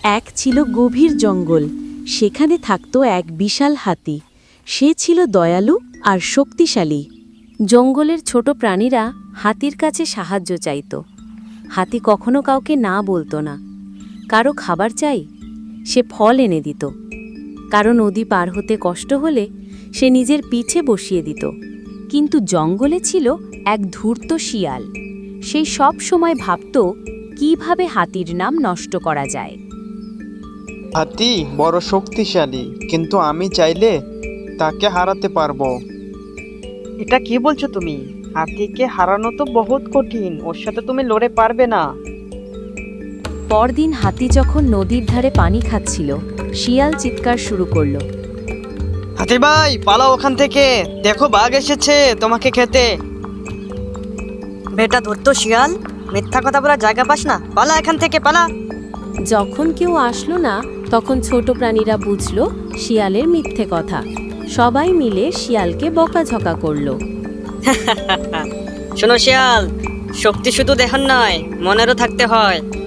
এক ছিল গভীর জঙ্গল, সেখানে থাকত এক বিশাল হাতি। সে ছিল দয়ালু আর শক্তিশালী। জঙ্গলের ছোট প্রাণীরা হাতির কাছে সাহায্য চাইত। হাতি কখনো কাউকে না বলতো না। কারো খাবার চাই, সে ফল এনে দিত। কারো নদী পার হতে কষ্ট হলে সে নিজের পিঠে বসিয়ে দিত। কিন্তু জঙ্গলে ছিল এক ধূর্ত শিয়াল। সেই সব সময় ভাবত কিভাবে হাতির নাম নষ্ট করা যায়। হাতি বড় শক্তিশালী, কিন্তু আমি চাইলে তাকে হারাতে পারবো। এটা কি বলছো তুমি? হাতিকে হারানো তো বহুত কঠিন, ওর সাথে তুমি লড়ে পারবে না। পরদিন হাতি যখন নদীর ধারে পানি খাচ্ছিল, শিয়াল চিৎকার শুরু করলো। হাতি ভাই, পালাও ওখান থেকে, দেখো বাঘ এসেছে তোমাকে খেতে। বেটা ধরতো শিয়াল, মিথ্যা কথা বলার জায়গা পাস না, পালা এখান থেকে, পালা। যখন কেউ আসলো না, তখন ছোট প্রাণীরা বুঝল শিয়ালের মিথ্যে কথা। সবাই মিলে শিয়ালকে বকাঝকা করল। শোনো শিয়াল, শক্তি শুধু দেখার নয়, মনেরও থাকতে হয়।